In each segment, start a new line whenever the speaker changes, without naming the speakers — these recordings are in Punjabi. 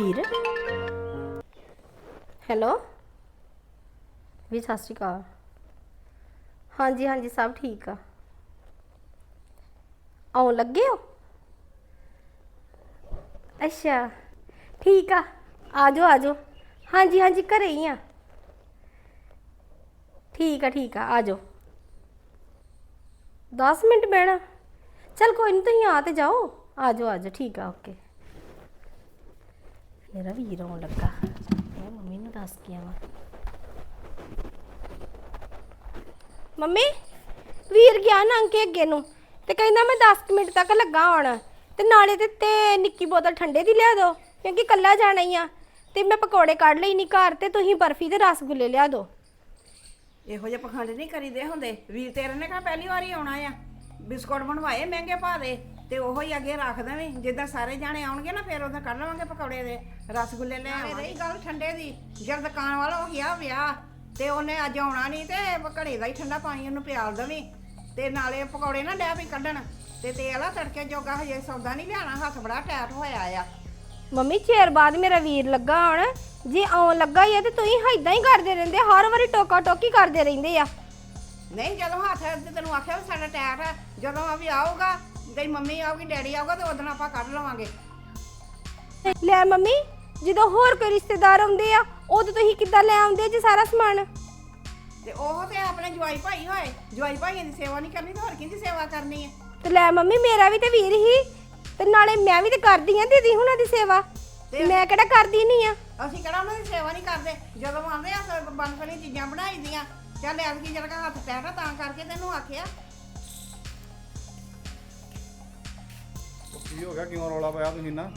ਵੀਰ ਹੈਲੋ ਵੀ ਸਤਿ ਸ਼੍ਰੀ ਅਕਾਲ। ਹਾਂਜੀ ਹਾਂਜੀ ਸਭ ਠੀਕ ਆ। ਆਉਣ ਲੱਗੇ ਹੋ? ਅੱਛਾ ਠੀਕ ਆ, ਆ ਜਾਓ ਆ ਜਾਓ। ਹਾਂਜੀ ਹਾਂਜੀ ਘਰੇ ਹੀ ਆ। ਠੀਕ ਆ ਜਾਓ। 10 ਮਿੰਟ ਬਹਿਣਾ? ਚਲ ਕੋਈ ਨਹੀਂ, ਤੁਸੀਂ ਆ ਤੇ ਜਾਓ। ਆ ਜਾਓ ਠੀਕ ਆ, ਓਕੇ। ਮੇਰਾ ਵੀਰ ਆਉਣ ਲੱਗਾ, ਮੈਂ ਮੰਮੀ ਨੂੰ ਦੱਸ ਕੇ ਆਵਾਂ। ਮੰਮੀ ਵੀਰ ਗਿਆ ਲੰਘ ਕੇ ਅੱਗੇ ਨੂੰ ਤੇ ਕਹਿੰਦਾ ਮੈਂ 10 ਮਿੰਟ ਤੱਕ ਲੱਗਾ ਆਉਣ, ਤੇ ਨਾਲੇ ਤੇ ਨਿੱਕੀ ਬੋਤਲ ਠੰਡੇ ਦੀ ਲਿਆ ਦਿਓ ਕਿਉਂਕਿ ਕੱਲਾ ਜਾਣਾ ਹੀ ਆ। ਤੇ ਮੈਂ ਪਕੌੜੇ ਕੱਢ ਲਈ ਨਹੀਂ ਘਰ, ਤੇ ਤੁਸੀਂ ਬਰਫੀ ਤੇ ਰਸਗੁੱਲੇ ਲਿਆ ਦਿਓ।
ਇਹੋ ਜਿਹੇ ਪਖੰਡ ਨਹੀਂ ਕਰੀਦੇ ਹੁੰਦੇ। ਵੀਰ ਤੇਰੇ ਨੇ ਕਹਾ ਪਹਿਲੀ ਵਾਰੀ ਆਉਣਾ ਆ, ਬਿਸਕੁਟ ਬਣਵਾਏ ਮਹਿੰਗੇ ਪਾ ਦੇ ਤੇ ਉਹੋ ਹੀ ਅੱਗੇ ਰੱਖ ਦੇਵੇਂ। ਜਿੱਦਾਂ ਸਾਰੇ ਜਾਣੇ ਆਉਣਗੇ ਨਾ ਫਿਰ ਉਦੋਂ ਕੱਢ ਲਵਾਂਗੇ ਪਕੌੜੇ ਦੇ ਰਸਗੁੱਲੇ ਲੈ ਆਵਾਂਗੇ। ਰਹੀ ਗੱਲ ਠੰਡੇ ਦੀ, ਜਦ ਦੁਕਾਨ ਵਾਲਾ ਹੋ ਗਿਆ ਵਿਆਹ ਤੇ ਉਹਨੇ ਅੱਜ ਆਉਣਾ ਨਹੀਂ, ਤੇ ਘੜੇ ਦਾ ਹੀ ਠੰਡਾ ਪਾਣੀ ਉਹਨੂੰ ਪਿਆਲ ਦੇਵੀਂ। ਤੇ ਨਾਲੇ ਪਕੌੜੇ ਨਾ ਡੈ ਵੀ ਕੱਢਣ, ਤੇ ਤੇਲ ਆ ਤੜਕੇ ਜੋਗਾ ਹਜੇ ਸੌਦਾ ਨਹੀਂ ਲਿਆਣਾ, ਹੱਥ ਬੜਾ ਟੈਟ ਹੋਇਆ ਆ।
ਮੰਮੀ ਚਿਰ ਬਾਅਦ ਮੇਰਾ ਵੀਰ ਲੱਗਾ ਆਉਣ, ਜੇ ਆਉਣ ਲੱਗਾ ਹੀ ਆ ਤੇ ਤੁਸੀਂ ਏਦਾਂ ਹੀ ਕਰਦੇ ਰਹਿੰਦੇ, ਹਰ ਵਾਰੀ ਟੋਕਾ ਟੋਕੀ ਕਰਦੇ ਰਹਿੰਦੇ ਆ।
ਨਹੀਂ ਜਦੋਂ ਹੱਥ ਤੇ ਤੈਨੂੰ ਆਖਿਆ ਵੀ ਸਾਡਾ ਟੈਟ ਹੈ, ਜਦੋਂ ਆ ਵੀ ਆਊਗਾ, ਤੇਰੀ ਮੰਮੀ ਆਊਗੀ ਡੈਡੀ ਆਊਗਾ, ਤੇ ਉਦੋਂ ਆਪਾਂ ਕੱਢ ਲਵਾਂਗੇ।
ਲੈ ਮੰਮੀ, ਜਦੋਂ ਹੋਰ ਕੋਈ ਰਿਸ਼ਤੇਦਾਰ ਆਉਂਦੇ ਆ ਉਦੋਂ ਤੁਸੀਂ ਕਿੱਦਾਂ ਲੈ ਆਉਂਦੇ ਜੀ ਸਾਰਾ ਸਮਾਨ?
ਤੇ ਉਹ ਤੇ ਆਪਣੇ ਜਵਾਈ ਭਾਈ ਹੋਏ, ਜਵਾਈ ਭਾਈਆਂ ਦੀ ਸੇਵਾ ਨਹੀਂ ਕਰਨੀ ਤੇ ਹੋਰ ਕਿਹਦੀ ਸੇਵਾ ਕਰਨੀ ਹੈ?
ਤੇ ਲੈ ਮੰਮੀ ਮੇਰਾ ਵੀ ਤੇ ਵੀਰ ਹੀ, ਤੇ ਨਾਲੇ ਮੈਂ ਵੀ ਤੇ ਕਰਦੀ ਆ ਦੀਦੀ ਹੁਣਾਂ ਦੀ ਸੇਵਾ, ਮੈਂ ਕਿਹੜਾ ਕਰਦੀ ਨਹੀਂ ਆ।
ਅਸੀਂ ਕਿਹੜਾ ਉਹਨਾਂ ਦੀ ਸੇਵਾ ਨਹੀਂ ਕਰਦੇ? ਜਦੋਂ ਆਉਂਦੇ ਆ ਬਣ ਬਣੀ ਚੀਜ਼ਾਂ ਬਣਾਈ ਦੀਆਂ। ਚੱਲ ਐਤਕੀ ਜਿਹੜਾ ਹੱਥ ਟੈਟ ਤਾਂ ਕਰਕੇ ਤੈਨੂੰ ਆਖਿਆ।
ਕੀ ਹੋ ਗਿਆ, ਕਿਉਂ ਰੌਲਾ ਪਾਇਆ ਤੁਸੀਂ ਨਾ?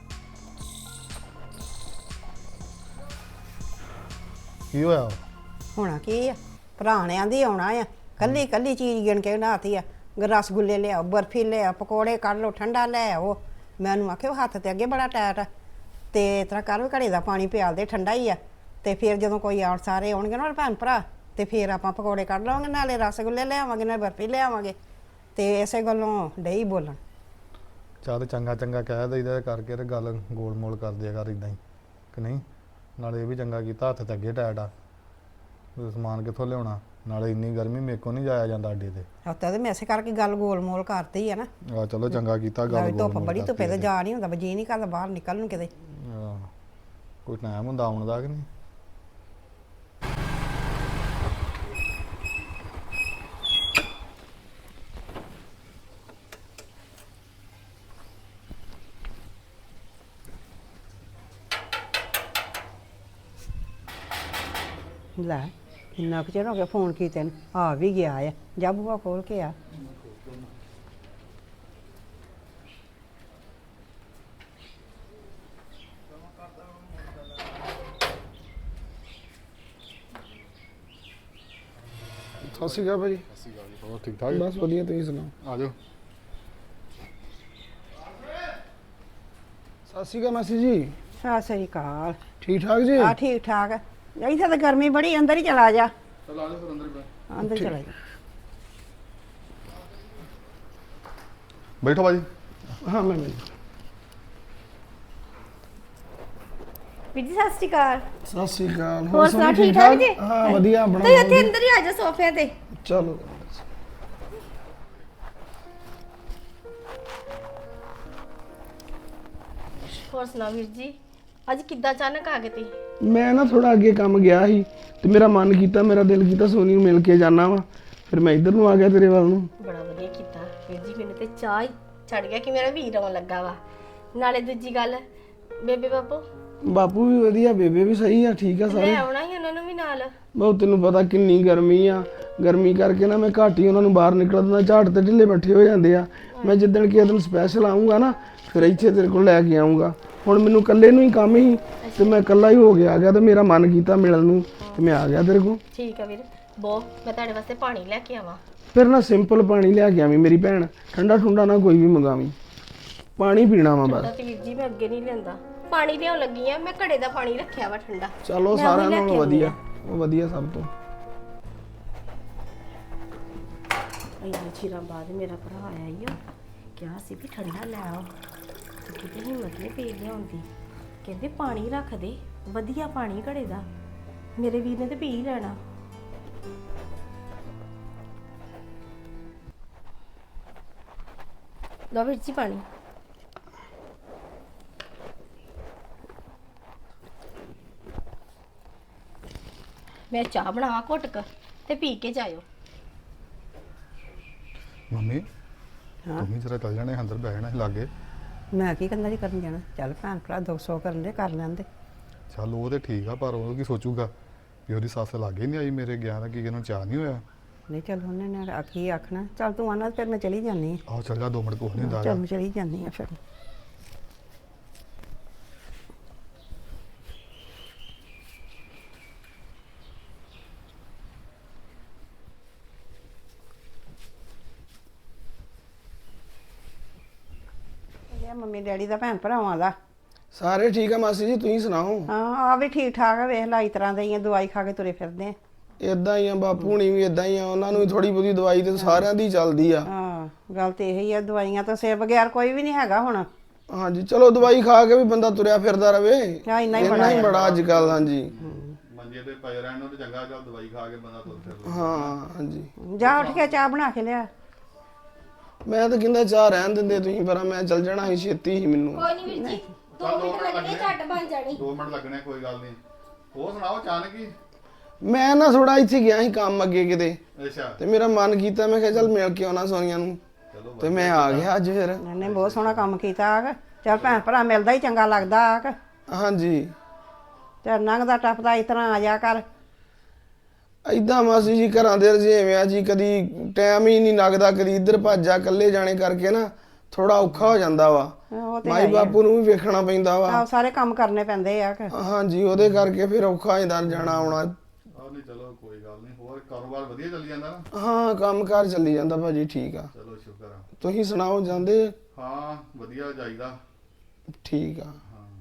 ਕੀ ਹੋਇਆ?
ਹੋਣਾ ਕੀ ਆ, ਭਰਾਣਿਆਂ ਦੀ ਆਉਣਾ ਆ, ਕੱਲੀ ਕੱਲੀ ਚੀਜ਼ ਗਿਣ ਕੇ ਬਣਾਤੀ ਆ। ਰਸਗੁੱਲੇ ਲਿਆਓ, ਬਰਫੀ ਲਿਆਓ, ਪਕੌੜੇ ਕੱਢ ਲਓ, ਠੰਡਾ ਲੈ ਆਓ। ਮੈਨੂੰ ਆਖਿਆ ਹੱਥ ਤੇ ਅੱਗੇ ਬੜਾ ਟੈਟ ਆ, ਤੇ ਇਸ ਤਰ੍ਹਾਂ ਕਰ ਘੜੇ ਦਾ ਪਾਣੀ ਪਿਆਲ ਦੇ, ਠੰਡਾ ਹੀ ਆ। ਤੇ ਫਿਰ ਜਦੋਂ ਕੋਈ ਆਉਣ ਸਾਰੇ ਆਉਣਗੇ ਨਾ ਭੈਣ ਭਰਾ, ਤੇ ਫਿਰ ਆਪਾਂ ਪਕੌੜੇ ਕੱਢ ਲਵਾਂਗੇ, ਨਾਲੇ ਰਸਗੁੱਲੇ ਲਿਆਵਾਂਗੇ, ਨਾਲੇ ਬਰਫੀ ਲਿਆਵਾਂਗੇ। ਤੇ ਇਸੇ ਗੱਲੋਂ ਡਈ ਬੋਲਣ।
ਚੱਲ ਚੰਗਾ ਚੰਗਾ ਕਹਿ ਦਈਦਾ ਕਰਕੇ, ਤੇ ਗੱਲ ਗੋਲ ਮੋਲ ਕਰ ਦਿਆ ਕਰ ਇਦਾਂ ਹੀ, ਕਿ ਨਹੀਂ? ਨਾਲੇ ਇਹ ਵੀ ਚੰਗਾ ਕੀਤਾ, ਹੱਥ ਤੇ ਅੱਗੇ ਟੈਟ ਆ, ਸਮਾਨ ਕਿੱਥੋਂ ਲਿਆਉਣਾ? ਨਾਲੇ ਇੰਨੀ ਗਰਮੀ ਮੇਰੇ ਕੋਲ ਨਹੀਂ ਜਾਇਆ ਜਾਂਦਾ ਅੱਡੇ ਤੇ।
ਹੱਥਾਂ ਤੇ ਮੈਂ ਇਸੇ ਕਰਕੇ ਗੱਲ ਗੋਲ ਮੋਲ ਕਰਤੀ ਆ ਨਾ।
ਆ ਚਲੋ ਚੰਗਾ ਕੀਤਾ ਗੱਲ ਗੋਲ
ਧੁੱਪ
ਮੋਲ
ਬੜੀ, ਧੁੱਪੇ ਤੇ
ਕਰਤੀ।
ਜਾ ਨਹੀਂ ਹੁੰਦਾ, ਜੀ ਨਹੀਂ ਕਰਦਾ ਬਾਹਰ ਨਿਕਲਣ ਨੂੰ ਕਿਤੇ।
ਕੋਈ ਟਾਈਮ ਹੁੰਦਾ ਆਉਣ ਦਾ ਕਿ ਨਹੀਂ?
ਲੈ ਇੰਨਾ ਕੁ ਚਿਰ ਹੋ ਗਿਆ ਫੋਨ ਕੀਤੇ ਨੂੰ, ਆ ਵੀ ਗਿਆ ਆ। ਜਾ ਬੂਹਾ ਖੋਲ ਕੇ ਆ।
ਸਤਿ ਸ਼੍ਰੀ ਅਕਾਲ ਭਾਜੀ।
ਹੋਰ ਠੀਕ ਠਾਕ?
ਬਸ ਵਧੀਆ, ਤੁਸੀਂ ਸੁਣਾਓ?
ਆ ਜਾਓ।
ਸਤਿ ਸ਼੍ਰੀ ਅਕਾਲ ਮਾਸੀ ਜੀ।
ਸਤਿ ਸ੍ਰੀ ਅਕਾਲ।
ਠੀਕ ਠਾਕ ਜੀ?
ਆ ਠੀਕ ਠਾਕ। ਇੱਥੇ ਤਾਂ ਗਰਮੀ ਬੜੀ, ਅੰਦਰ ਹੀ ਚਲਾ ਜਾ।
ਚਲ ਆ ਜਾਓ ਫਿਰ ਅੰਦਰ ਬੈ।
ਅੰਦਰ ਚਲਾ ਜਾ।
ਬੈਠੋ ਬਾਜੀ।
ਹਾਂ ਮੈਂ
ਵੀਰ ਜੀ ਸਤਿ ਸ਼੍ਰੀ ਅਕਾਲ।
ਸਤਿ ਸ਼੍ਰੀ ਅਕਾਲ।
ਹੋਰ ਸੁਣਾਓ,
ਸੁਣਾਓ,
ਠੀਕ ਠਾਕ ਜੀ?
ਹਾਂ ਵਧੀਆ। ਆਪਣਾ
ਤੁਸੀਂ ਇੱਥੇ ਅੰਦਰ ਹੀ ਆ ਜਾਓ ਸੋਫਿਆਂ ਤੇ।
ਚਲੋ।
ਹੋਰ ਸੁਣਾਓ ਵੀਰ ਜੀ, ਅੱਜ ਕਿੱਦਾਂ ਅਚਾਨਕ ਆ ਗਏ ਤੁਸੀਂ?
ਮੈਂ ਨਾ ਥੋੜਾ ਅੱਗੇ ਕੰਮ ਗਿਆ ਸੀ, ਤੇ ਮੇਰਾ ਮਨ ਕੀਤਾ, ਮੇਰਾ ਦਿਲ ਕੀਤਾ ਸੋਨੀ ਨੂੰ ਮਿਲ ਕੇ ਜਾਣਾ ਵਾ, ਫਿਰ ਮੈਂ ਇੱਧਰ ਨੂੰ ਆ ਗਿਆ ਤੇਰੇ ਵੱਲ ਨੂੰ।
ਬੜਾ ਵਧੀਆ ਕੀਤਾ ਵੀਰ ਜੀ, ਮੈਨੂੰ ਤੇ ਚਾਹ ਹੀ ਚੜ ਗਿਆ ਕਿ ਮੇਰਾ ਵੀਰ ਆਉਣ ਲੱਗਾ ਵਾ। ਨਾਲੇ ਦੂਜੀ ਗੱਲ, ਬੇਬੇ
ਬਾਪੂ ਵੀ ਵਧੀਆ, ਬੇਬੇ ਵੀ ਸਹੀ ਆ, ਠੀਕ ਆ
ਲੈ
ਸਾਰੇ।
ਆਉਣਾ ਹੀ ਉਹਨਾਂ ਨੂੰ ਵੀ ਨਾਲ।
ਬਹੁਤ ਤੈਨੂੰ ਪਤਾ ਕਿੰਨੀ ਗਰਮੀ ਆ, ਗਰਮੀ ਕਰਕੇ ਨਾ ਮੈਂ ਘੱਟ ਹੀ ਉਹਨਾਂ ਨੂੰ ਬਾਹਰ ਨਿਕਲਦਾ, ਝਾੜ ਤੇ ਢਿੱਲੇ ਬੈਠੇ ਹੋ ਜਾਂਦੇ ਆ। ਮੈਂ ਜਿੱਦਣ ਕਿਸੇ ਦਿਨ ਸਪੈਸ਼ਲ ਆਉਂਗਾ ਨਾ, ਫਿਰ ਇੱਥੇ ਤੇਰੇ ਕੋਲ ਲੈ ਕੇ ਆਉਂਗਾ। ਹੁਣ ਮੈਨੂੰ ਇਕੱਲੇ ਨੂੰ ਹੀ ਕੰਮ ਹੀ, ਤੇ ਮੈਂ ਇਕੱਲਾ ਹੀ ਹੋ ਕੇ ਆ ਗਿਆ, ਤੇ ਮੇਰਾ ਮਨ ਕੀਤਾ ਮਿਲਣ ਨੂੰ, ਤੇ ਮੈਂ ਆ ਗਿਆ ਤੇਰੇ ਕੋਲ।
ਠੀਕ ਆ ਵੀਰ, ਮੈਂ ਤੁਹਾਡੇ ਵਾਸਤੇ ਪਾਣੀ ਲੈ ਕੇ ਆਵਾਂ?
ਫਿਰ ਨਾ ਸਿੰਪਲ ਪਾਣੀ ਲਿਆ ਕੇ ਆਵੀਂ ਮੇਰੀ ਭੈਣ, ਠੰਡਾ ਠੁੰਡਾ ਨਾ ਕੋਈ ਵੀ ਮੰਗਾਵੀਂ, ਪਾਣੀ ਪੀਣਾ ਵਾ ਬਸ।
ਤੇ ਵੀਰ ਜੀ ਮੈਂ ਅੱਗੇ ਨਹੀਂ ਲੈਂਦਾ, ਪਾਣੀ ਲਿਆਉਣ ਲੱਗੀ ਆ, ਮੈਂ ਘੜੇ ਦਾ ਪਾਣੀ ਰੱਖਿਆ ਵਾ ਠੰਡਾ।
ਚਲੋ ਸਾਰਿਆਂ ਨਾਲੋਂ ਵਧੀਆ, ਉਹ ਵਧੀਆ ਸਭ ਤੋਂ।
ਇੰਨੇ ਚਿਰਾਂ ਬਾਅਦ ਮੇਰਾ ਭਰਾ ਆਇਆ ਈ, ਕਿਹਾ ਸੀ ਵੀ ਠੰਡਾ ਲੈ ਆਓ, ਤੇ ਕਿਤੇ ਹਿੰਮਤ ਨਹੀਂ ਪਈ ਲਿਆਉਣ ਦੀ। ਕਹਿੰਦੇ ਪਾਣੀ ਰੱਖ ਦੇ, ਵਧੀਆ ਪਾਣੀ ਘੜੇ ਦਾ। ਮੇਰੇ ਵੀਰ ਨੇ ਤੇ ਪੀ ਹੀ ਲੈਣਾ। ਲਓ ਵੀਰ ਜੀ ਪਾਣੀ। ਮੈਂ ਚਾਹ ਬਣਾਵਾਂ ਘੁੱਟ ਕੇ ਤੇ ਪੀ ਕੇ ਜਾਇਓ।
ਮੰਮੀ ਤੁਸੀਂ ਜਰਾ ਚੱਲ ਜਾਣੇ ਅੰਦਰ ਬਹਿਣਾ ਸੀ ਲਾਗੇ।
ਮੈਂ ਕੀ ਕਰਨਾ ਜੀ ਕਰਨ ਜਾਣਾ, ਚੱਲ ਭੈਣ ਭਰਾ 200 ਕਰਨ ਦੇ ਕਰ ਲੈਂਦੇ।
ਚੱਲ ਉਹ ਤੇ ਠੀਕ ਆ, ਪਰ ਉਹ ਕੀ ਸੋਚੂਗਾ ਵੀ ਉਹਦੀ ਸੱਸ ਲਾਗੇ ਨਹੀਂ ਆਈ ਮੇਰੇ ਗਿਆ ਦਾ, ਕੀ ਇਹਨੂੰ ਚਾਹ ਨਹੀਂ ਹੋਇਆ।
ਨਹੀਂ ਚੱਲ ਉਹਨੇ ਨੇ ਆਖੀ ਆਖਣਾ, ਚੱਲ ਤੂੰ ਆਣਾ ਫਿਰ ਮੈਂ ਚਲੀ ਜਾਂਦੀ ਹਾਂ।
ਆਹੋ ਚੱਲ ਜਾ 2 ਮਿੰਟ ਕੁਛ ਨਹੀਂ ਹੁੰਦਾ
ਚੱਲ ਮੈਂ ਚਲੀ ਜਾਂਦੀ ਹਾਂ ਫਿਰ। ਮੰਮੀ ਡੈਡੀ ਦਾ ਭੈਣ ਭਰਾਵਾਂ ਦਾ
ਸਾਰੇ ਠੀਕ ਆ ਮਾਸੀ ਜੀ, ਤੁਸੀਂ ਸੁਣਾਓ?
ਹਾਂ ਆ ਵੀ ਠੀਕ ਠਾਕ ਆ, ਵੇਖ ਲਾ ਇਸ ਤਰ੍ਹਾਂ ਦੀਆਂ ਦਵਾਈ ਖਾ ਕੇ ਤੁਰੇ ਫਿਰਦੇ ਆ।
ਇਦਾਂ ਹੀ ਆ, ਬਾਪੂ ਹੁਣੀ ਵੀ ਇਦਾਂ ਹੀ ਆ, ਉਹਨਾਂ ਨੂੰ ਵੀ ਥੋੜੀ ਬਹੁਤੀ ਦਵਾਈ ਤੇ ਸਾਰਿਆਂ ਦੀ ਚੱਲਦੀ ਆ।
ਹਾਂ ਗੱਲ ਤੇ ਇਹੀ ਆ, ਦਵਾਈਆਂ ਤੋਂ ਸਿਰ ਬਗੈਰ ਕੋਈ ਵੀ ਨਹੀਂ ਹੈਗਾ ਹੁਣ।
ਹਾਂਜੀ ਚਲੋ ਦਵਾਈ ਖਾ ਕੇ ਵੀ ਬੰਦਾ ਤੁਰਿਆ ਫਿਰਦਾ ਰਵੇ,
ਹਾਂ ਇੰਨਾ ਹੀ
ਇੰਨਾ ਹੀ ਬੜਾ ਅੱਜ ਕੱਲ। ਹਾਂਜੀ
ਮੰਜੇ ਤੇ ਪਏ ਰਹਿਣ ਨੂੰ ਤੇ ਚੰਗਾ, ਚੱਲ ਦਵਾਈ ਖਾ ਕੇ ਬੰਦਾ ਤੁਰ ਫਿਰ।
ਹਾਂ ਹਾਂਜੀ
ਜਾ ਉੱਠ ਕੇ ਚਾਹ ਬਣਾ ਕੇ ਲਿਆ।
ਮੈਂ ਤਾਂ ਕਹਿੰਦਾ ਚਾਹ ਰਹਿਣ ਦਿੰਦੇ ਤੁਸੀਂ, ਪਰ ਮੈਂ ਚੱਲ ਜਾਣਾ ਸੀ, ਛੇਤੀ ਸੀ ਮੈਨੂੰ।
ਕੋਈ ਨਹੀਂ ਵੀਰ ਜੀ, 2 ਮਿੰਟ ਲੱਗਣੇ, ਝੱਟ ਬਣ ਜਾਣੀ।
2 ਮਿੰਟ ਲੱਗਣੇ, ਕੋਈ ਗੱਲ ਨਹੀਂ। ਹੋਰ ਸੁਣਾਓ ਅਚਾਨਕ ਹੀ?
ਮੈਂ ਨਾ ਥੋੜਾ ਇੱਥੇ ਗਿਆ ਸੀ ਕੰਮ ਅੱਗੇ ਕਿਤੇ,
ਅੱਛਾ
ਤੇ ਮੇਰਾ ਮਨ ਕੀਤਾ, ਮੈਂ ਕਿਹਾ ਚੱਲ ਮਿਲ ਕੇ ਆਉਣਾ ਸੋਨੀਆ ਨੂੰ,
ਚਲੋ
ਤੇ ਮੈਂ ਆ ਗਿਆ ਅੱਜ ਫਿਰ।
ਇਹਨੇ ਬਹੁਤ ਸੋਹਣਾ ਕੰਮ ਕੀਤਾ ਆ। ਚੱਲ ਭੈਣ ਭਰਾ ਮਿਲਦਾ ਹੀ ਚੰਗਾ ਲੱਗਦਾ ਆ।
ਹਾਂਜੀ
ਤੇ ਲੰਘਦਾ ਟੱਪਦਾ ਇਸ ਤਰ੍ਹਾਂ ਆ ਜਾ ਕਰ।
ਏਦਾਂ ਮਾਸੀ ਜੀ ਘਰਾਂ ਦੇ ਰਜੇਵੇਂ ਆ ਜੀ, ਕਦੀ ਟਾਈਮ ਹੀ ਨਹੀਂ ਲੱਗਦਾ, ਕਦੀ ਇੱਧਰ ਭੱਜ ਜਾ, ਇਕੱਲੇ ਜਾਣੇ ਕਰਕੇ ਨਾ ਥੋੜਾ ਔਖਾ ਹੋ ਜਾਂਦਾ ਵਾ।
ਉਹ ਤੇ
ਮਾਈ ਬਾਪੂ ਨੂੰ ਵੀ ਵੇਖਣਾ ਪੈਂਦਾ ਵਾ।
ਆਹ ਸਾਰੇ ਕੰਮ ਕਰਨੇ ਪੈਂਦੇ ਆ ਕਿ।
ਹਾਂਜੀ ਉਹਦੇ ਕਰਕੇ ਫਿਰ ਔਖਾ ਹੋ ਜਾਂਦਾ ਜਾਣਾ ਆਉਣਾ।
ਆਹ ਨਹੀਂ, ਚਲੋ ਕੋਈ ਗੱਲ ਨਹੀਂ। ਹੋਰ ਕਾਰੋਬਾਰ ਵਧੀਆ ਚੱਲੀ ਜਾਂਦਾ ਨਾ?
ਹਾਂ ਕੰਮਕਾਰ ਚੱਲੀ ਜਾਂਦਾ ਭਾਜੀ, ਠੀਕ ਆ।
ਚਲੋ ਸ਼ੁਕਰ ਆ।
ਤੁਸੀਂ ਸੁਣਾਓ, ਜਾਂਦੇ?
ਹਾਂ ਵਧੀਆ ਜਾਈਦਾ।
ਠੀਕ ਆ।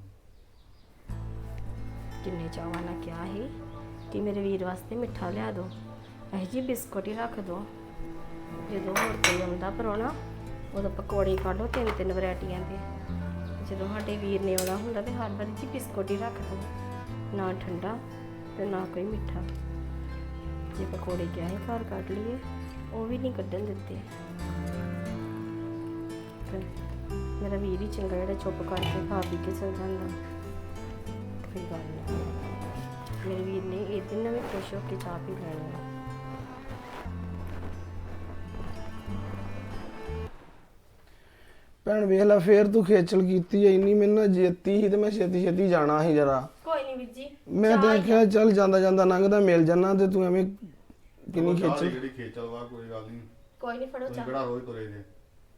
ਕਿੰਨੇ ਚਾਵਾਂ ਨਾਲ ਕਿਹਾ ਸੀ ਕਿ ਮੇਰੇ ਵੀਰ ਵਾਸਤੇ ਮਿੱਠਾ ਲਿਆ ਦਿਓ, ਇਹ ਜੀ ਬਿਸਕੁਟ ਹੀ ਰੱਖ ਦਿਓ। ਜਦੋਂ ਹੋਰ ਕੋਈ ਆਉਂਦਾ ਪਰੋਣਾ, ਉਦੋਂ ਪਕੌੜੇ ਕੱਢ ਲਓ 3-3 ਵੈਰਾਈਟੀਆਂ ਦੇ। ਜਦੋਂ ਸਾਡੇ ਵੀਰ ਨੇ ਆਉਣਾ ਹੁੰਦਾ ਤੇ ਹਰ ਵਾਰੀ ਜੀ ਬਿਸਕੁਟ ਹੀ ਰੱਖ ਦਿਓ, ਨਾ ਠੰਡਾ ਤੇ ਨਾ ਕੋਈ ਮਿੱਠਾ। ਜੇ ਪਕੌੜੇ ਕਿਹਾ ਸੀ ਘਰ ਕੱਢ ਲਈਏ, ਉਹ ਵੀ ਨਹੀਂ ਕੱਢਣ ਦਿੱਤੇ। ਤੇ ਮੇਰਾ ਵੀਰ ਹੀ ਚੰਗਾ ਜਿਹੜਾ ਚੁੱਪ ਕਰਕੇ ਖਾ ਪੀ ਕੇ ਚਲ ਜਾਂਦਾ। ਕੋਈ ਗੱਲ ਨਹੀਂ, ਮੇਰੇ ਵੀਰ ਨੇ ਇਹ ਦਿਨ ਵੀ ਖੁਸ਼ ਹੋ ਕੇ ਚਾਹ ਪੀ ਲੈਣੀ ਆ।
ਭੈਣ ਵੇਖ ਲੈ, ਫੇਰ ਤੂੰ ਖੇਚਲ ਕੀਤੀ ਐ ਇੰਨੀ, ਮੈਨੂੰ ਨਾ ਜੇਤੀ ਸੀ ਤੇ ਮੈਂ ਛੇਤੀ ਛੇਤੀ ਜਾਣਾ ਸੀ ਜਰਾ।
ਕੋਈ ਨਹੀਂ ਵੀਰ ਜੀ,
ਮੈਂ ਤਾਂ ਕਿਹਾ ਚੱਲ ਜਾਂਦਾ ਜਾਂਦਾ ਲੰਘਦਾ ਮਿਲ ਜਾਣਾ, ਤੇ ਤੂੰ ਐਵੇਂ ਕਿੰਨੀ ਖੇਚਲ।
ਜਿਹੜੀ ਖੇਚਲ ਵਾ, ਕੋਈ ਗੱਲ ਨਹੀਂ।
ਕੋਈ ਨਹੀਂ, ਫੜੋ
ਤੁਸੀਂ
ਚਾਹ।
ਕਿਹੜਾ ਰੋਜ਼ ਤੁਰੇ ਜੇ?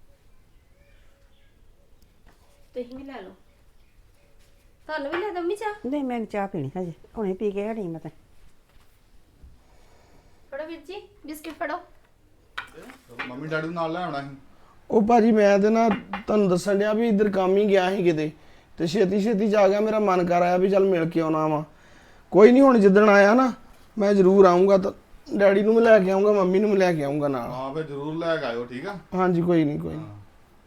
ਤੁਸੀਂ ਵੀ ਲੈ ਲਓ। ਤੁਹਾਨੂੰ ਵੀ ਲੈ ਦਵਾਂ ਚਾਹ?
ਨਹੀਂ ਮੈਂ ਨੀ ਚਾਹ ਪੀਣੀ ਹਜੇ, ਹੁਣੇ ਪੀ ਕੇ ਹਟੀ ਮੈਂ ਤਾਂ।
ਫੜੋ ਵੀਰ ਜੀ, ਬਿਸਕਿਟ ਫੜੋ।
ਮੰਮੀ ਡੈਡੀ ਨੂੰ ਨਾਲ ਲੈ ਆਉਣਾ ਸੀ।
ਉਹ ਭਾਜੀ ਮੈਂ ਤੇ ਨਾ ਤੁਹਾਨੂੰ ਦੱਸਣ ਡਿਆ ਵੀ ਇੱਧਰ ਕੰਮ ਹੀ ਗਿਆ ਸੀ ਕਿਤੇ, ਤੇ ਛੇਤੀ ਛੇਤੀ ਜਾ ਗਿਆ, ਮੇਰਾ ਮਨ ਕਰ ਆਇਆ ਵੀ ਚੱਲ ਮਿਲ ਕੇ ਆਉਣਾ ਵਾ। ਕੋਈ ਨਹੀਂ, ਹੁਣ ਜਿੱਦਣ ਆਇਆ ਨਾ ਮੈਂ ਜ਼ਰੂਰ ਆਉਂਗਾ, ਤਾਂ ਡੈਡੀ ਨੂੰ ਮੈਂ ਲੈ ਕੇ ਆਉਂਗਾ, ਮੰਮੀ ਨੂੰ ਮੈਂ ਲੈ ਕੇ ਆਉਂਗਾ ਨਾਲ।
ਹਾਂ ਫਿਰ ਜ਼ਰੂਰ ਲੈ ਕੇ ਆਇਓ, ਠੀਕ ਆ?
ਹਾਂਜੀ ਕੋਈ ਨਹੀਂ ਕੋਈ ਨਹੀਂ।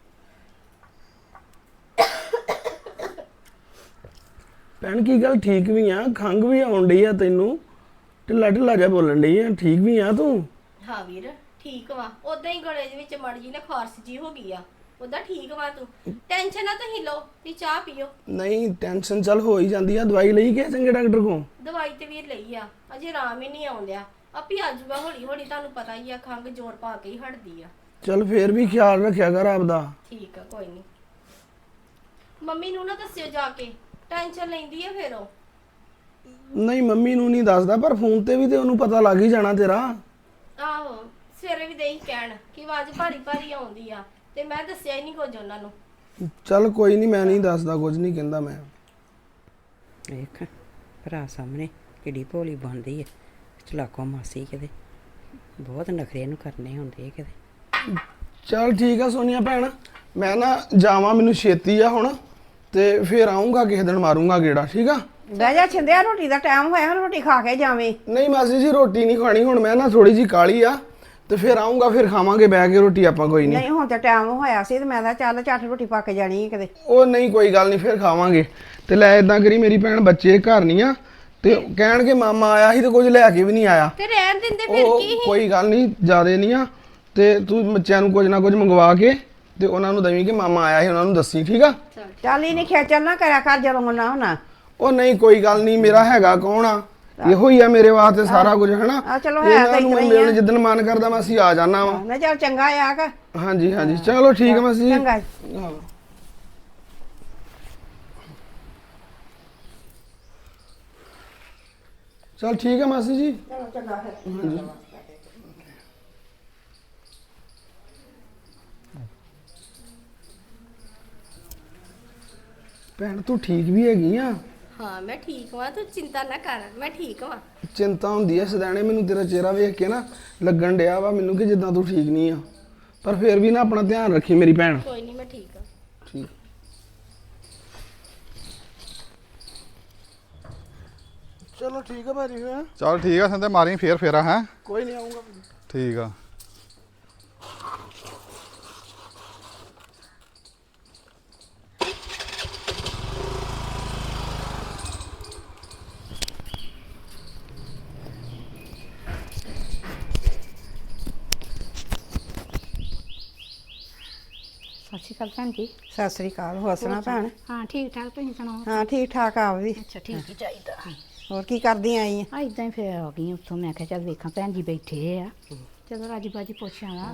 ਭੈਣ ਕੀ ਗੱਲ, ਠੀਕ ਵੀ ਆ? ਖੰਘ ਵੀ ਆਉਣ ਡਈ ਆ ਤੈਨੂੰ, ਢਿੱਲਾ ਢਿੱਲਾ ਜਿਹਾ ਬੋਲਣ ਡਈ ਆ, ਠੀਕ ਵੀ ਆ ਤੂੰ?
ਹਾਂ ਵੀਰ ਠੀਕ ਵਾ, ਉਦਾਂ ਹੀ ਗਲੇ ਦੇ ਵਿੱਚ ਮੜ ਜੀ ਨਾ ਖਾਰਸ਼ ਜੀ ਹੋ ਗਈ ਆ, ਉਦਾਂ ਠੀਕ ਵਾ। ਤੂੰ ਟੈਨਸ਼ਨ ਨਾ ਤੁਸੀਂ ਲਓ, ਤੇ ਚਾਹ ਪੀਓ।
ਨਹੀਂ ਟੈਨਸ਼ਨ ਚੱਲ ਹੋ ਹੀ ਜਾਂਦੀ ਆ। ਦਵਾਈ ਲਈ ਕਿ ਚੰਗੇ ਡਾਕਟਰ ਕੋਲ?
ਦਵਾਈ ਤੇ ਵੀਰ ਲਈ ਆ, ਅਜੇ ਆਰਾਮ ਹੀ ਨਹੀਂ ਆਉਂਦਿਆ। ਆਪੀ ਆਜੂਗਾ ਹੌਲੀ ਹੌਲੀ, ਤੁਹਾਨੂੰ ਪਤਾ ਹੀ ਆ ਖੰਘ ਜ਼ੋਰ ਪਾ ਕੇ ਹੀ ਹਟਦੀ ਆ।
ਚੱਲ ਫੇਰ ਵੀ ਖਿਆਲ ਰੱਖਿਆ ਕਰ ਆਪਦਾ।
ਠੀਕ ਆ, ਕੋਈ ਨਹੀਂ। ਮੰਮੀ ਨੂੰ ਨਾ ਦੱਸਿਓ ਜਾ ਕੇ, ਟੈਨਸ਼ਨ ਲੈਂਦੀ ਆ ਫਿਰ ਉਹ।
ਨਹੀਂ ਮੰਮੀ ਨੂੰ ਨਹੀਂ ਦੱਸਦਾ, ਪਰ ਫੋਨ ਤੇ ਵੀ ਤੇ ਉਹਨੂੰ ਪਤਾ ਲੱਗ ਹੀ ਜਾਣਾ ਤੇਰਾ।
ਆਹੋ ਸਵੇਰੇ ਵੀ ਦੇਈ ਕਹਿਣ ਕਿ ਆਵਾਜ਼ ਭਾਰੀ ਭਾਰੀ ਆਉਂਦੀ ਆ, ਤੇ ਮੈਂ ਦੱਸਿਆ ਹੀ ਨਹੀਂ ਕੁਝ ਉਹਨਾਂ ਨੂੰ।
ਚੱਲ ਕੋਈ ਨਹੀਂ, ਮੈਂ ਨਹੀਂ ਦੱਸਦਾ, ਕੁਝ ਨਹੀਂ ਕਹਿੰਦਾ ਮੈਂ।
ਵੇਖ ਭਰਾ ਸਾਹਮਣੇ ਕਿੱਡੀ ਭੋਲੀ ਬਣਦੀ ਹੈ, ਚਲਾਕੋ ਮਾਸੀ ਕਿਤੇ, ਬਹੁਤ ਨਖਰੇ ਨੂੰ ਕਰਨੇ ਹੁੰਦੇ ਕਿਤੇ।
ਚੱਲ ਠੀਕ ਆ ਸੋਨੀਆ ਭੈਣ, ਮੈਂ ਨਾ ਜਾਵਾਂ, ਮੈਨੂੰ ਛੇਤੀ ਆ ਹੁਣ, ਤੇ ਫੇਰ ਆਉਂਗਾ ਕਿਸੇ ਦਿਨ, ਮਾਰੂੰਗਾ ਗੇੜਾ, ਠੀਕ ਆ?
ਬਹਿ ਜਾ ਛਿੰਦਿਆ, ਰੋਟੀ ਦਾ ਟਾਈਮ ਹੋਇਆ, ਰੋਟੀ ਖਾ ਕੇ ਜਾਵੇਂ।
ਨਹੀਂ ਮਾਸੀ ਜੀ ਰੋਟੀ ਨਹੀਂ ਖਾਣੀ ਹੁਣ, ਮੈਂ ਨਾ ਥੋੜੀ ਜੀ ਕਾਲੀ ਆ, ਤੇ ਫਿਰ ਆਉਂਗਾ, ਫਿਰ ਖਾਵਾਂਗੇ ਬਹਿ ਕੇ ਰੋਟੀ ਆਪਾਂ ਕੋਈ ਨਹੀਂ।
ਨਹੀਂ ਹੁਣ ਤਾਂ ਟਾਈਮ ਹੋਇਆ ਸੀ ਤੇ ਮੈਂ ਤਾਂ ਚੱਲ ਝੱਟ ਰੋਟੀ ਪੱਕ ਜਾਣੀ ਹੈ ਕਿਤੇ।
ਉਹ ਨਹੀਂ ਕੋਈ ਗੱਲ ਨਹੀਂ, ਫਿਰ ਖਾਵਾਂਗੇ। ਤੇ ਲੈ ਇਦਾਂ ਕਰੀ, ਮੇਰੀ ਭੈਣ ਬੱਚੇ ਘਰ ਨਹੀਂ ਆ ਤੇ ਕਹਿਣਗੇ ਮਾਮਾ ਆਇਆ ਸੀ ਤੇ ਕੁਝ ਲੈ ਕੇ ਵੀ ਨਹੀਂ ਆਇਆ।
ਤੇ ਰਹਿਣ ਦਿੰਦੇ ਫਿਰ
ਉਹ
ਕੀ
ਕੋਈ ਗੱਲ ਨਹੀਂ, ਜ਼ਿਆਦੇ ਨਹੀਂ ਆ। ਤੇ ਤੂੰ ਬੱਚਿਆਂ ਨੂੰ ਕੁਝ ਨਾ ਕੁਝ ਮੰਗਵਾ ਕੇ ਤੇ ਉਹਨਾਂ ਨੂੰ ਦਵੀਂ ਕਿ ਮਾਮਾ ਆਇਆ ਸੀ, ਉਹਨਾਂ ਨੂੰ ਦੱਸੀ, ਠੀਕ ਆ?
ਚੱਲ ਹੀ ਨਹੀਂ ਖੇਚਲ ਨਾ ਕਰਿਆ ਕਰ ਜਦੋਂ ਨਾ ਹੋਣਾ।
ਉਹ ਨਹੀਂ ਕੋਈ ਗੱਲ ਨਹੀਂ, ਮੇਰਾ ਹੈਗਾ ਕੌਣ ਆ, ਇਹੋ ਹੀ ਆ ਮੇਰੇ ਵਾਸਤੇ ਸਾਰਾ ਕੁਝ, ਹਨਾ?
ਆ ਚਲੋ ਹੈ ਤਾਂ
ਇਹਨਾਂ ਨੂੰ
ਇਤਨਾ ਹੀ
ਮਿਲਣ
ਆ।
ਜਿੱਦਣ ਮਨ ਕਰਦਾ ਮੈਂ ਅਸੀਂ ਆ ਜਾਣਾ ਵਾ।
ਨਾ ਚੱਲ ਚੰਗਾ ਆ ਕਿ
ਹਾਂਜੀ ਹਾਂਜੀ ਚਲੋ ਠੀਕ ਆ ਮਾਸੀ ਜੀ।
ਚੰਗਾ।
ਹਾਂ। ਚਲ ਠੀਕ ਆ ਮਾਸੀ ਜੀ।
ਚਲੋ ਚੰਗਾ ਫਿਰ।
ਭੈਣ ਤੂੰ ਠੀਕ ਵੀ ਹੈਗੀ ਆ?
ਹਾਂ ਮੈਂ ਠੀਕ ਹਾਂ, ਤੂੰ ਚਿੰਤਾ ਨਾ ਕਰ, ਮੈਂ ਠੀਕ ਹਾਂ।
ਚਿੰਤਾ ਹੁੰਦੀ ਐ ਸਦਾਣੇ, ਮੈਨੂੰ ਤੇਰਾ ਚਿਹਰਾ ਵੇਖ ਕੇ ਨਾ ਲੱਗਣ ਡਿਆ ਵਾ ਮੈਨੂੰ ਕਿ ਜਿੱਦਾਂ ਤੂੰ ਠੀਕ ਨਹੀਂ ਆ, ਪਰ ਫਿਰ ਵੀ ਨਾ ਆਪਣਾ ਧਿਆਨ ਰੱਖੀ ਮੇਰੀ ਭੈਣ।
ਕੋਈ ਨਹੀਂ, ਮੈਂ ਠੀਕ ਹਾਂ।
ਠੀਕ। ਚਲੋ ਠੀਕ ਆ ਭਾਜੀ ਫਿਰ।
ਚੱਲ ਠੀਕ ਆ ਸੰਦੇ, ਮਾਰੀ ਫੇਰ ਫੇਰਾ ਹੈ।
ਕੋਈ ਨਹੀਂ ਆਉਂਗਾ।
ਠੀਕ ਆ।
ਸਤਿ ਸ਼੍ਰੀ ਅਕਾਲ ਭੈਣ ਜੀ।
ਸਤਿ ਸ੍ਰੀ ਅਕਾਲ। ਹੋਰ ਸੁਣਾ ਭੈਣ?
ਹਾਂ ਠੀਕ ਠਾਕ, ਤੁਸੀਂ ਸੁਣਾਓ?
ਹਾਂ ਠੀਕ ਠਾਕ ਆ ਵੀ।
ਅੱਛਾ ਠੀਕ ਹੀ ਚਾਹੀਦਾ।
ਹੋਰ ਕੀ ਕਰਦੀ ਆਈ ਆ?
ਆ ਇਦਾਂ ਹੀ ਫਿਰ ਆ ਗਈ ਉੱਥੋਂ, ਮੈਂ ਕਿਹਾ ਚੱਲ ਵੇਖਾਂ ਭੈਣ ਜੀ ਬੈਠੇ ਆ, ਚਲੋ ਰਾਜੀ ਬਾਜੀ ਪੁੱਛਾਂ ਵਾ।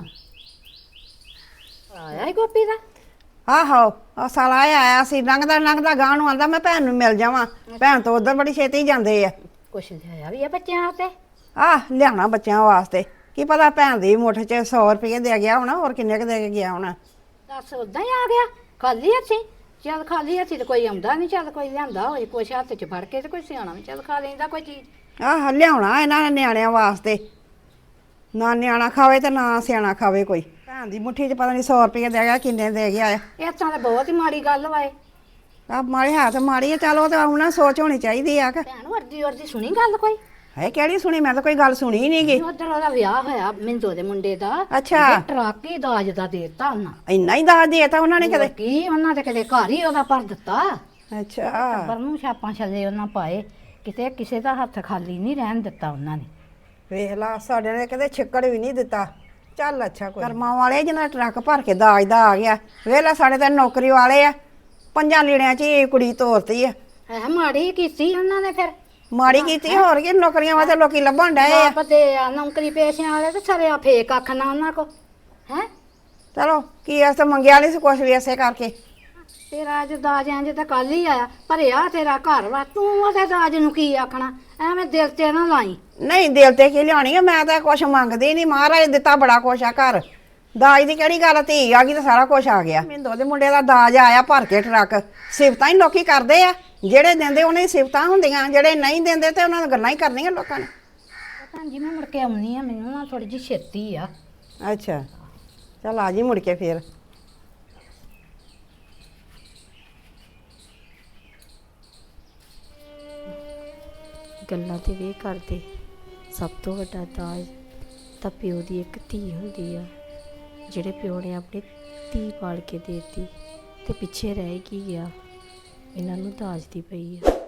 ਆਇਆ ਹੀ ਗੋਪੀ ਦਾ?
ਆਹੋ ਆ ਸਾਲਾ ਇਹ ਆਇਆ ਸੀ, ਲੰਘਦਾ ਗਾਂ ਨੂੰ ਆਂਦਾ ਮੈਂ ਭੈਣ ਨੂੰ ਮਿਲ ਜਾਵਾਂ। ਭੈਣ ਤੋਂ ਉਧਰ ਬੜੀ ਛੇਤੀ ਜਾਂਦੇ ਆ।
ਕੁਛ ਲਿਆਇਆ ਵੀ ਆ ਬੱਚਿਆਂ ਤੇ?
ਆਹ ਲਿਆਉਣਾ ਬੱਚਿਆਂ ਵਾਸਤੇ, ਕੀ ਪਤਾ ਭੈਣ ਦੀ ਮੁੱਠ 'ਚ 100 ਰੁਪਏ ਦੇ ਗਿਆ ਹੋਣਾ, ਹੋਰ ਕਿੰਨੇ ਕੁ ਦੇ ਕੇ ਗਿਆ ਹੋਣਾ।
ਦੱਸ ਉਦਾਂ ਹੀ ਆ ਗਿਆ ਖਾਲੀ ਹੱਥੀਂ? ਚੱਲ ਖਾਲੀ ਹੱਥੀਂ ਤੇ ਕੋਈ ਆਉਂਦਾ ਨਹੀਂ, ਚੱਲ ਕੋਈ ਲਿਆਂਦਾ ਹੋਏ ਕੁਛ ਹੱਥ 'ਚ ਫੜ ਕੇ ਤੇ ਕੋਈ ਸਿਆਣਾ ਵੀ ਚੱਲ ਖਾ ਲੈਂਦਾ ਕੋਈ ਚੀਜ਼।
ਆਹ ਲਿਆਉਣਾ ਇਹਨਾਂ ਨੇ ਨਿਆਣਿਆਂ ਵਾਸਤੇ, ਨਾ ਨਿਆਣਾ ਖਾਵੇ ਤੇ ਨਾ ਸਿਆਣਾ ਖਾਵੇ ਕੋਈ। ਭੈਣ ਦੀ ਮੁੱਠੀ 'ਚ ਪਤਾ ਨਹੀਂ 100 ਰੁਪਏ ਦੇ ਗਿਆ, ਕਿੰਨੇ ਦੇ ਗਿਆ ਆ।
ਇਹ ਤਾਂ ਬਹੁਤ ਹੀ ਮਾੜੀ ਗੱਲ ਵਾਏ।
ਆ ਮਾੜੀ ਹੈ ਤੇ ਮਾੜੀ ਆ, ਚੱਲ ਉਹ ਤੇ ਉਹਨਾਂ ਸੋਚ ਹੋਣੀ ਚਾਹੀਦੀ ਆ ਕਿ
ਭੈਣ ਵਰਦੀ ਸੁਣੀ ਗੱਲ ਕੋਈ?
ਹੈ ਕਿਹੜੀ ਸੁਣੀ? ਮੈਂ ਤਾਂ ਕੋਈ ਗੱਲ ਸੁਣੀ ਹੀ ਨਹੀਂ ਗੀ।
ਉਧਰ ਉਹਦਾ ਵਿਆਹ ਹੋਇਆ ਮਿੰਦੋ ਦੇ ਮੁੰਡੇ ਦਾ।
ਅੱਛਾ।
ਤੇ ਟਰੱਕ ਹੀ ਦਾਜ ਦਾ ਦੇਤਾ ਉਹਨਾਂ।
ਇੰਨਾ ਹੀ ਦਾਜ ਦੇਤਾ ਉਹਨਾਂ ਨੇ ਕਦੇ?
ਕੀ ਉਹਨਾਂ ਦੇ ਕਦੇ ਘਰ ਹੀ ਉਹਦਾ ਭਰ ਦਿੱਤਾ।
ਅੱਛਾ।
ਟੱਬਰ ਨੂੰ ਛਾਪਾਂ ਛੱਲੇ ਉਹਨਾਂ ਪਾਏ, ਕਿਤੇ ਕਿਸੇ ਦਾ ਹੱਥ ਖਾਲੀ ਨਹੀਂ ਰਹਿਣ ਦਿੱਤਾ ਉਹਨਾਂ ਨੇ।
ਵੇਖ ਲਾ, ਸਾਡੇ ਨੇ ਕਦੇ ਛਿੱਕੜ ਵੀ ਨਹੀਂ ਦਿੱਤਾ। ਚੱਲ ਅੱਛਾ, ਕੋਈ ਕਰਮਾਂ ਵਾਲੇ ਜਿਹਨਾਂ ਟਰੱਕ ਭਰ ਕੇ ਦਾਜ ਦਾ ਆ ਗਿਆ। ਵੇਖ ਲਾ, ਸਾਡੇ ਤਾਂ ਨੌਕਰੀ ਵਾਲੇ ਆ, 5 ਲੀੜਿਆਂ 'ਚ ਹੀ ਕੁੜੀ ਤੋਰਤੀ ਆ।
ਹੈ ਮਾੜੀ ਕੀਤੀ ਉਹਨਾਂ ਨੇ ਫਿਰ।
ਮਾੜੀ ਕੀਤੀ, ਹੋਰ ਕੀ, ਨੌਕਰੀਆਂ ਵਾਸਤੇ ਲੋਕੀ ਲੱਭਣ ਡਏ ਆ।
ਬਾਪ ਦੇ ਆ ਨੌਕਰੀ ਪੇਸ਼ਿਆਂ ਵਾਲੇ ਤੇ ਸਰਿਆ ਫੇਕ ਅੱਖ ਨਾ ਉਹਨਾਂ ਕੋ ਹੈ।
ਚਲੋ ਕੀ ਐਸ ਤਾਂ ਮੰਗਿਆ ਨਹੀਂ ਸੀ ਕੁਛ ਵੀ ਐਸੇ ਕਰਕੇ।
ਤੇਰਾ ਅੱਜ ਦਾਜ ਇੰਜ ਤਾਂ ਕੱਲ ਹੀ ਆਇਆ, ਭਰਿਆ ਤੇਰਾ ਘਰ ਵਾ, ਤੂੰ ਉਹਦੇ ਦਾਜ ਨੂੰ ਕੀ ਆਖਣਾ? ਐਵੇਂ ਦਿਲ ਤੇ ਨਾ ਲਾਈ।
ਨਹੀਂ ਦਿਲ ਤੇ ਕੀ ਲਿਆਉਣੀ ਆ, ਮੈਂ ਤਾਂ ਕੁਛ ਮੰਗਦੀ ਨਹੀਂ, ਮਹਾਰਾਜ ਦਿੱਤਾ ਬੜਾ ਕੁਛ ਆ ਘਰ। ਦਾਜ ਦੀ ਕਿਹੜੀ ਗੱਲ, ਧੀ ਆ ਗਈ ਤਾਂ ਸਾਰਾ ਕੁਛ ਆ ਗਿਆ। ਮਿੰਦੋ ਦੇ ਮੁੰਡੇ ਦਾ ਦਾਜ ਆਇਆ ਭਰ ਕੇ ਟਰੱਕ। ਸਿਫਤਾਂ ਹੀ ਲੋਕੀ ਕਰਦੇ ਆ, ਜਿਹੜੇ ਦਿੰਦੇ ਉਹਨਾਂ ਦੀ ਸਿਫਤਾਂ ਹੁੰਦੀਆਂ, ਜਿਹੜੇ ਨਹੀਂ ਦਿੰਦੇ ਤੇ ਉਹਨਾਂ ਨੂੰ ਗੱਲਾਂ ਹੀ ਕਰਨੀਆਂ ਲੋਕਾਂ ਨੇ।
ਭੈਣ ਜੀ ਮੈਂ ਮੁੜ ਕੇ ਆਉਣੀ ਆ, ਮੈਨੂੰ ਨਾ ਥੋੜੀ ਜਿਹੀ ਛੇਤੀ ਆ।
ਅੱਛਾ ਚੱਲ ਆ ਜੀ ਮੁੜ ਕੇ ਫੇਰ।
ਗੱਲਾਂ ਤੇ ਵੇ ਕਰਦੇ, ਸਭ ਤੋਂ ਵੱਡਾ ਦਾਜ ਤਾਂ ਪਿਓ ਦੀ ਇੱਕ ਧੀ ਹੁੰਦੀ ਆ। ਜਿਹੜੇ ਪਿਓ ਨੇ ਆਪਣੀ ਧੀ ਪਾਲ ਕੇ ਦੇਤੀ ਤੇ ਪਿੱਛੇ ਰਹਿ ਕੀ ਗਿਆ, ਇਹਨਾਂ ਨੂੰ ਦਾਜ ਦੀ ਪਈ ਆ।